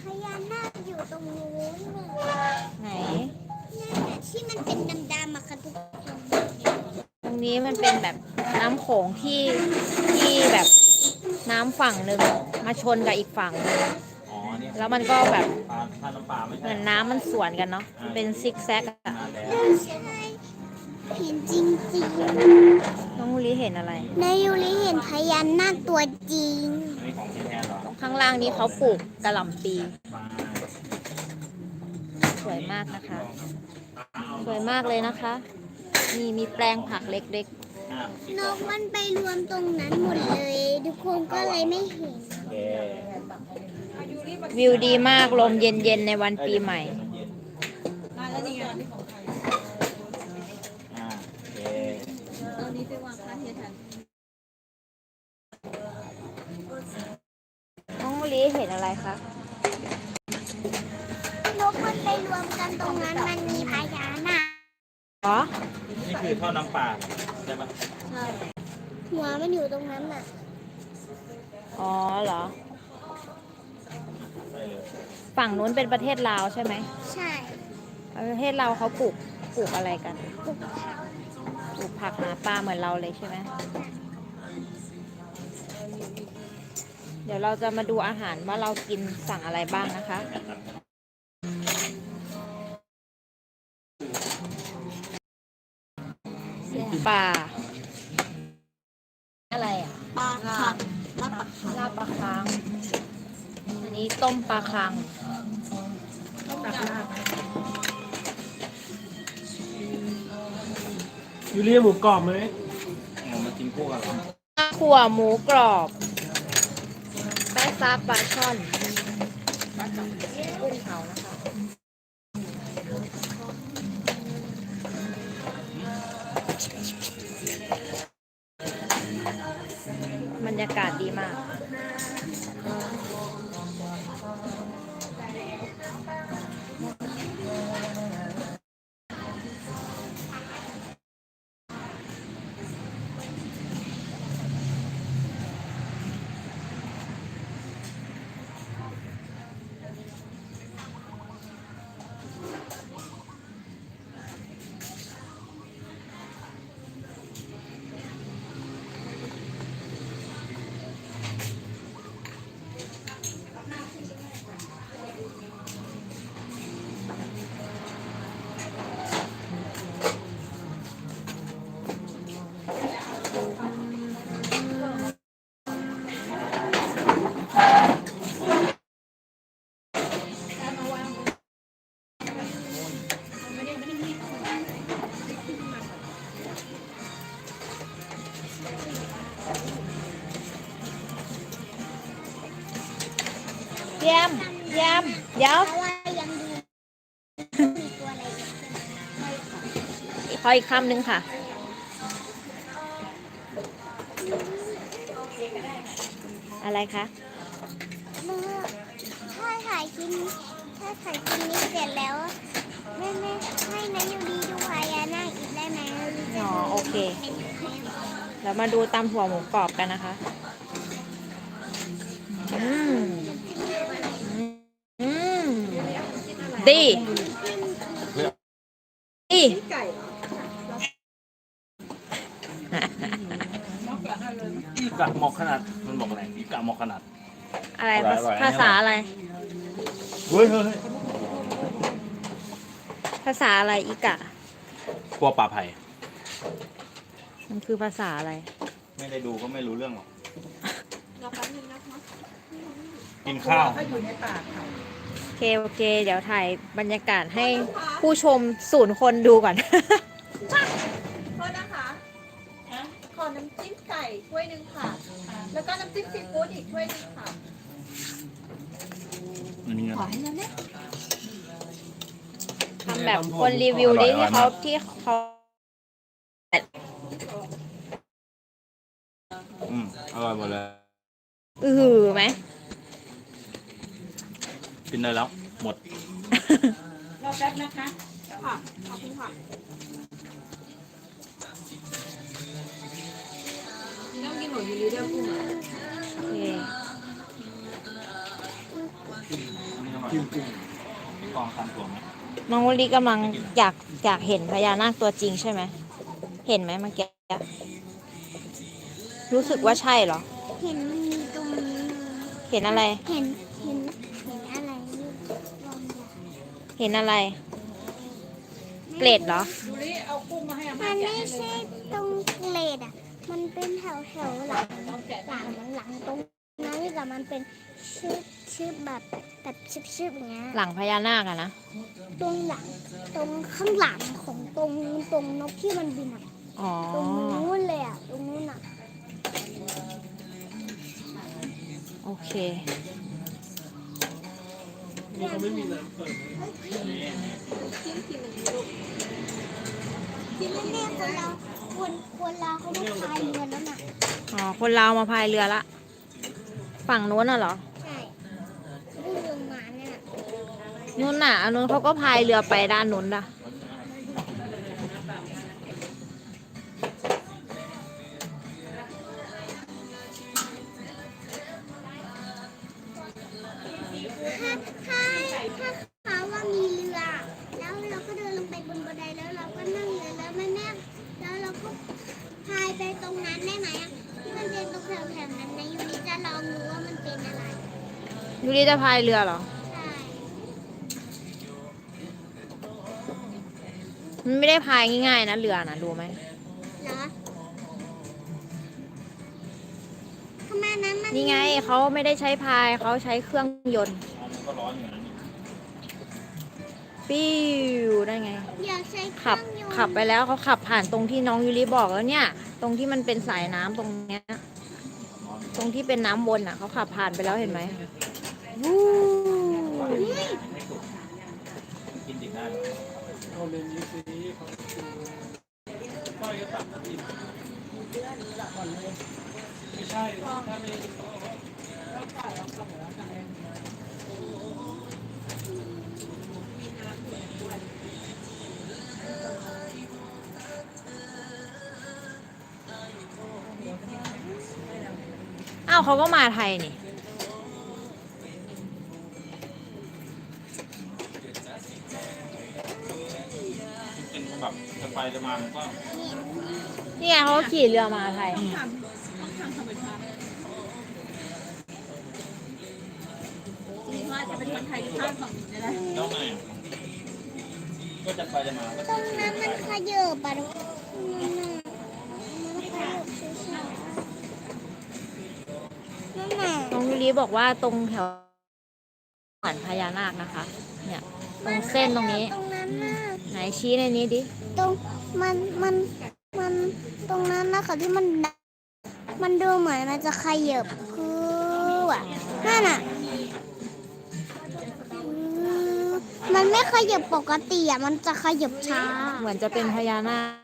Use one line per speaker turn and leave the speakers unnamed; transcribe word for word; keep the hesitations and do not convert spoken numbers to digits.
พญานาคอยู่ตรงนู้น
ไหน
นั่นแหละที่มันเป็นดำๆอะค่ะทุกคน
ตรงนี้มันเป็นแบบน้ำโขงที่ที่แบบน้ำฝั่งหนึ่งมาชนกับอีกฝั่งหนึ่ง
อ๋อเนี่ย
แล้วมันก็แบบ
ปลาถ้าน้ำปลาไม่
เห
ใช่
มือนน้ำมันสวนกันเนาะเป็นซิกแซกอะ
นานแล้ว
ไม่ใช่เห็นจริง
น้องมูลีเห็นอะไร
ๆนายยูริเห็นพญานาคตัวจริง
อันนี้ของที่แท้เหรอ
ข้างล่างนี้เขาปลูกกระหล่ำปี
ปลา
สวยมากนะคะ สวยมากเลยนะคะ นี่มีแปลงผักเล็ก
อ่ะ
นกมันไปรวมตรงนั้นหมดเลย ทุกคนก็เลยไม่เห็น
โอเค
ๆ วิวดีมากลมเย็นๆในวันปีใหม่
อ่าโอเค
น้องมูลีเห็นอะไรคะ
นกมันไปรวมกันตรงนั้นมันมีพญานาค
อ๋อ
นี่คือท่อน้ำปลาใช่ปะ
หัวมันอยู่ตรงนั้นน่ะ
อ๋อเหรอ
ไปเลย
ฝั่งนู้นเป็นประเทศลาวใช่ไหม
ใช่
ประเทศเราวเขาปลูกปลูกอะไรกัน
ปลูกผัก
ปลูกผักหาปลาเหมือนเราเลยใช่ไหม เดี๋ยวเราจะมาดูอาหารว่าเรากินสั่งอะไรบ้างนะคะ ปลา อะไรอ่ะ
ปลาผักลาบ
ลาบปลาคัง อันนี้ต้มปลาคัง
ยูเรียหมูกรอบไหม
เอามากินคู่กันเหรอ
ขั่วหมูกรอบ แป้ซาปลาช่อนกุ้งเผานะคะ บรรยากาศดีมาก เยี่ยมเยี่ยมเดี๋ยว
เพราะว่ายังดูมีตัวอะไรอีกใช่ไหม
ขออีกคำหนึ่งค่ะ อะไรคะ
เมื่อถ้าถ่ายคลิปถ้าถ่ายคลิปนี้เสร็จแล้วแม่แม่ให้นายยูรีดูพญานาคอีกได้ไหมหรือจะ
อ๋อโอเค
ให้ให้
เรามาดูตำถั่วหมูกรอบกันนะคะ อืม อืม ดี ดี
อีกะหมอกขนาดมันบอกอะไรอีกะหมอกขนาด
อะไร
อร่อยอร่อย
ภาษาอะไร
เฮ้ยเฮ้ย
ภาษาอะไรอีกะ
กลัวปลาไผ่
มันคือภาษาอะไร
ไม่ได้ดูก็ไม่รู้เรื่องหรอกกินข้าว
โอเค โอเค เดี๋ยวถ่ายบรรยากาศให้ผู้ชมศูนย์คนดูก่อน
โทษนะคะ ขอน้ำจิ้มไก่ถ้วยหนึ่งค่ะ แล้วก็น้ำจิ้มซีฟู้ดอีกถ้วยหนึ่งค่ะ
อันนี้
ขอให้น้ำเนี่ย
ทำแบบคนรีวิวดิที่เขาที่เขา
อืมอร่อยหมดเลย
อือหือไหม
กินได้แล้ว หมด
รอแป๊บนะคะ ค่ะ ขอบคุณค่ะต้องกินหมูยูริเดียวกุ้งอ่ะ
โอเค
อันนี้น้องจริงจริงกองตันตัวไหม
น้องวลีกำลังอยากอยากเห็นพญานาคตัวจริงใช่ไหม เห็นไหมเมื่อกี้รู้สึกว่าใช่เหรอ
เห็นมันมีตรงนี้
เห็นอะไร
เห็นเห็นเห็นอะไรนี่ลองดู
เห็นอะไร เกรดเหรอ
ดูดิเอากุ้งมาให้อา
มั
ม่าน แกะ
ไม่
ให้เล
ใช่
ย
ตรงเกรดอ่ะ มันเป็นแถวแถวๆหลัง
ลองแกะ
หลังหลังตรงนั้นนี่แต่มันเป็นชื่อชื่อแบบแบบชิบชิบอย่างเงี้ย
หลังพญานาคอะนะ
ตรงหลังตรงข้างหลังของตรงตรงนกที่มันบินอ่ะ
อ๋อ
ตรงนู้นเลยอ่ะตรงนู้นอ่ะ
โอเค
นี่เขาไม่มีน้ำเปิด
ชิ้นทีหนึ่งลูก
ที่แม่คนเราคนคนเราเขามาพายเรือแล้วน่ะ
อ๋อ คนลาวมาพายเรือละ ฝั่งโน้นน่ะเหรอ
ใช่ที่เรือมาเนี่ยน่ะ
นู้นน่ะอันนู้นเขาก็พายเรือไปด้านนู้นล่ะ
ถ้าถ้าถ้าเขาว่ามีเรือ แล้วเราก็เดินลงไปบนบันไดแล้วเราก็นั่งเรือแล้วแม่แม่แล้วเราก็พายไปตรงนั้นได้ไหมอ่ะที่มันเป็นตรงแถวๆนั้นนะยูนิจะลองดูว่ามันเป็นอะไร
ยูริจะพายเรือเหรอ
ใช่
มันไม่ได้พายง่ายๆนะเรือนะรู้ไหม
เหรอทำไมนั้นมัน
นี่ไงเขาไม่ได้ใช้พายเขาใช้เครื่องยนต์
มันก็ร้อนอยู่นะนี่
ปิ้วได้ไง
อยากใช้เค
ขับ
รื่องยนต์
ขับไปแล้วเขาขับผ่านตรงที่น้องยูริบอกแล้วเนี่ย ตรงที่มันเป็นสายน้ำตรงเนี้ย ตรงที่เป็นน้ำวนอ่ะเขาขับผ่านไปแล้วเห็นไหมวู้
กินดิบได้เอาเลนนี้สิป้อยก็ตัดกินไม่ใช่ถ้าไม่
อ้าวเขาก็มาไทยนี่
เป็นแบบจะไปจะมามันก็
นี่ไงเขาขี่เรือมาไทย
ทำต้องทำธรรมชาติจริงว่าจะเป็นคนไทยข้ามฝั่งนี้ได้
แล้วไงก็จะไปจะมาก็
ตรงนั้นมันขยับอะทุกคนนั่นน่ะมันขยับช้าๆนั่นน่ะ
น้องยูริบอกว่าตรงแถวเหมือนพญานาคนะคะ เนี่ย ตรงเส้นตรงนี้
ตรงนั้นน่ะ
ไหนชี้ในนี้ดิ
ตรงมันมันมันตรงนั้นนะคะที่มันมันดูเหมือนมันจะขยับคืออ่ะนั่นน่ะคือมันไม่ขยับปกติอ่ะมันจะขยับช้า
เหมือนจะเป็นพญานาค